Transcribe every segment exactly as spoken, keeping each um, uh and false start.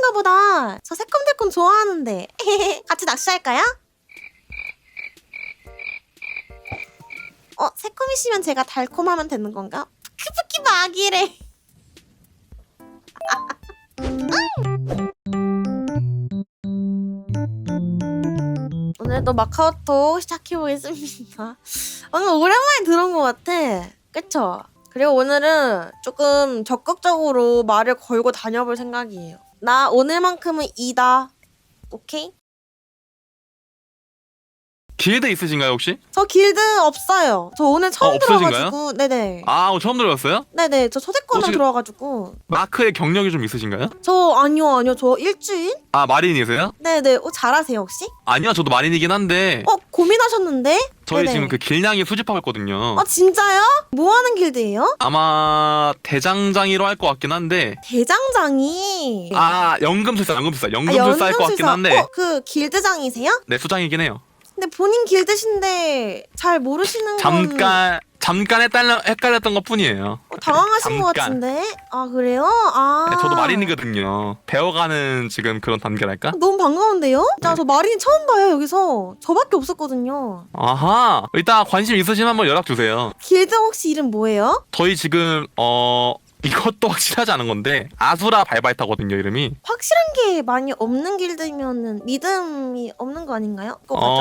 새콤하신가 보다. 저 새콤달콤 좋아하는데. 같이 낚시할까요? 어, 새콤이시면 제가 달콤하면 되는 건가? 크프키 막이래. 오늘도 마카오톡 시작해보겠습니다. 오늘 오랜만에 들은 것 같아. 그쵸? 그리고 오늘은 조금 적극적으로 말을 걸고 다녀볼 생각이에요. 나 오늘만큼은 이다. 오케이? 길드 있으신가요 혹시? 저 길드 없어요. 저 오늘 처음 어, 없으신가요? 들어가지고. 네네. 아 처음 들어봤어요? 네네. 저 초대권을 혹시- 들어와가지고. 마크의 경력이 좀 있으신가요? 저 아니요 아니요. 저 일주일? 아 마린이세요? 네네. 어, 잘하세요 혹시? 아니요 저도 마린이긴 한데 어 고민하셨는데? 저희 네네. 지금 그 길냥이 수집하고 있거든요. 아 진짜요? 뭐 하는 길드예요? 아마 대장장이로 할 것 같긴 한데 대장장이. 아 연금술사 연금술사 아, 연금술사 할 것 같긴 연금술사. 한데 어, 그 길드장이세요? 네 수장이긴 해요. 근데 본인 길드신데 잘 모르시는 건 잠깐 잠깐 헷갈려, 헷갈렸던 것 뿐이에요. 어, 당황하신 것 잠깐. 같은데. 아 그래요? 아 네, 저도 마린이거든요. 배워가는 지금 그런 단계랄까? 너무 반가운데요? 자, 네. 저 마린이 처음 봐요 여기서. 저밖에 없었거든요. 아하 이따 관심 있으시면 한번 연락 주세요. 길드 혹시 이름 뭐예요? 저희 지금 어 이것도 확실하지 않은 건데 아수라 발바이타거든요 이름이. 확실한 게 많이 없는 길드면은 믿음이 없는 거 아닌가요? 그거 맞죠?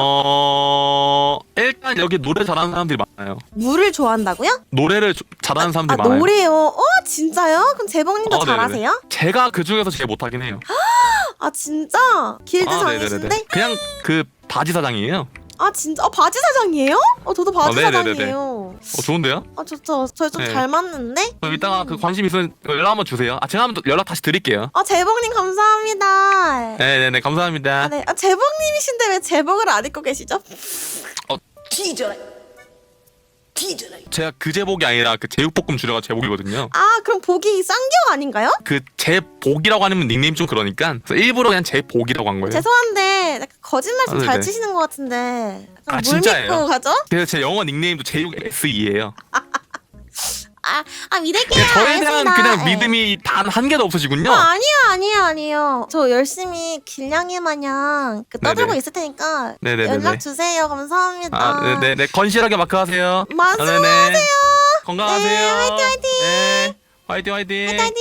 어 일단 여기 노래 잘하는 사람들이 많아요. 물을 좋아한다고요? 노래를 조- 잘하는 아 사람들이 많아요. 노래요? 어 진짜요? 그럼 재봉님도 어, 네네네. 잘하세요? 제가 그 중에서 제일 못하긴 해요. 아 진짜? 길드장이신데? 네네네네. 그냥 그 바지 사장이에요. 아 진짜? 어 바지 사장이에요? 어 저도 바지 어, 네네네네. 사장이에요. 어 좋은데요? 아 좋죠. 저희 좀 네. 잘 맞는데? 그럼 이따가 그 관심 있으면 연락 한번 주세요. 아 제가 한번 또 연락 다시 드릴게요. 아 재봉님 감사합니다. 네네네 감사합니다. 아, 네. 아, 재봉님이신데 왜 제복을 안 입고 계시죠? 뒤져라 뒤져라 제가 그 제복이 아니라 그 제육볶음 주려가 제복이거든요. 아 그럼 복이 쌍경 아닌가요? 그 제복이라고 하는 닉네임 좀 그러니까 그래서 일부러 그냥 제복이라고 한 거예요. 죄송한데 약간 거짓말 좀 아, 잘 네네. 치시는 것 같은데 약간 아, 물 진짜예요? 믿고 가죠? 그래서 제 영어 닉네임도 제육 에스이예요. 아, 아 믿을게요. 저에 대한 알겠습니다. 그냥 네. 믿음이 단 한 개도 없으시군요. 어, 아니요 아니요 아니요. 저 열심히 길냥이 마냥 그 떠들고 네네. 있을 테니까 네네네네. 연락 주세요. 감사합니다. 아, 네네네. 건실하게 마크하세요. 말씀하세요. 아, 네네. 건강하세요. 네, 화이팅, 화이팅. 네, 화이팅 화이팅. 파이팅.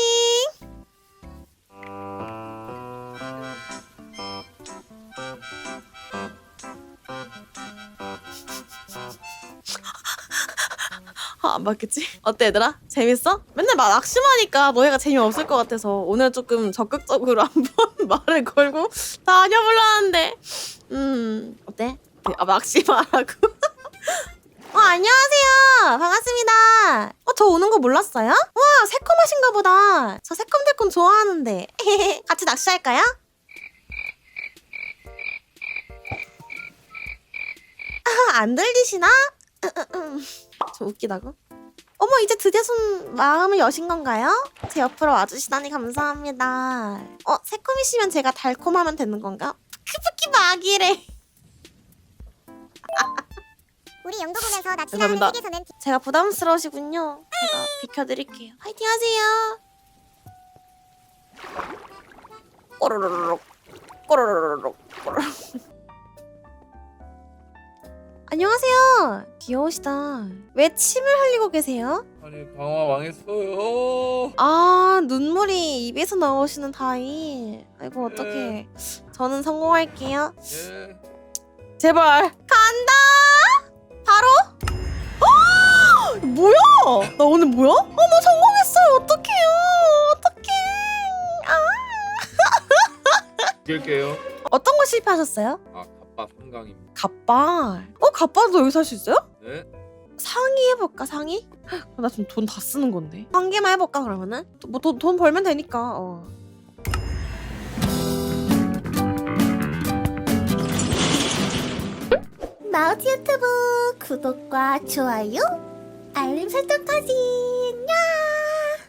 아, 안 맞겠지? 어때 얘들아? 재밌어? 맨날 막 낙심하니까 너희가 재미없을 것 같아서 오늘 조금 적극적으로 한번 말을 걸고 다녀보려 하는데 음 어때? 아 낙심하라고? 어 안녕하세요 반갑습니다. 어 저 오는 거 몰랐어요? 와 새콤하신가 보다. 저 새콤달콤 좋아하는데 같이 낚시할까요? 아, 안 들리시나? 저 웃기다고? 어머 이제 드디어 손 마음을 여신 건가요? 제 옆으로 와주시다니 감사합니다. 어 새콤이시면 제가 달콤하면 되는 건가? 크프키 막이래. 우리 영도군에서 낚시하는 죄송합니다. 세계선은 제가 부담스러우시군요. 제가 비켜드릴게요. 화이팅 하세요. 꼬르르륵 꼬르르륵 꼬르르. 안녕하세요. 귀여우시다. 왜 침을 흘리고 계세요? 아니 강화 망했어요. 아 눈물이 입에서 나오시는 다이. 아이고 어떡해. 저는 성공할게요. 예. 제발 간다. 바로? 어! 뭐야? 나 오늘 뭐야? 어머 성공했어요. 어떡해요? 어떡해? 아. 이길게요. 어떤 거 실패하셨어요? 아 갑바 삼강입니다. 갓발. 어 갓발도 여기서 할 수 있어요? 네. 상의 해볼까 상의? 나 지금 돈 다 쓰는 건데. 한 개만 해볼까 그러면은? 뭐 돈 돈 벌면 되니까. 어. 마우티 유튜브 구독과 좋아요 알림 설정까지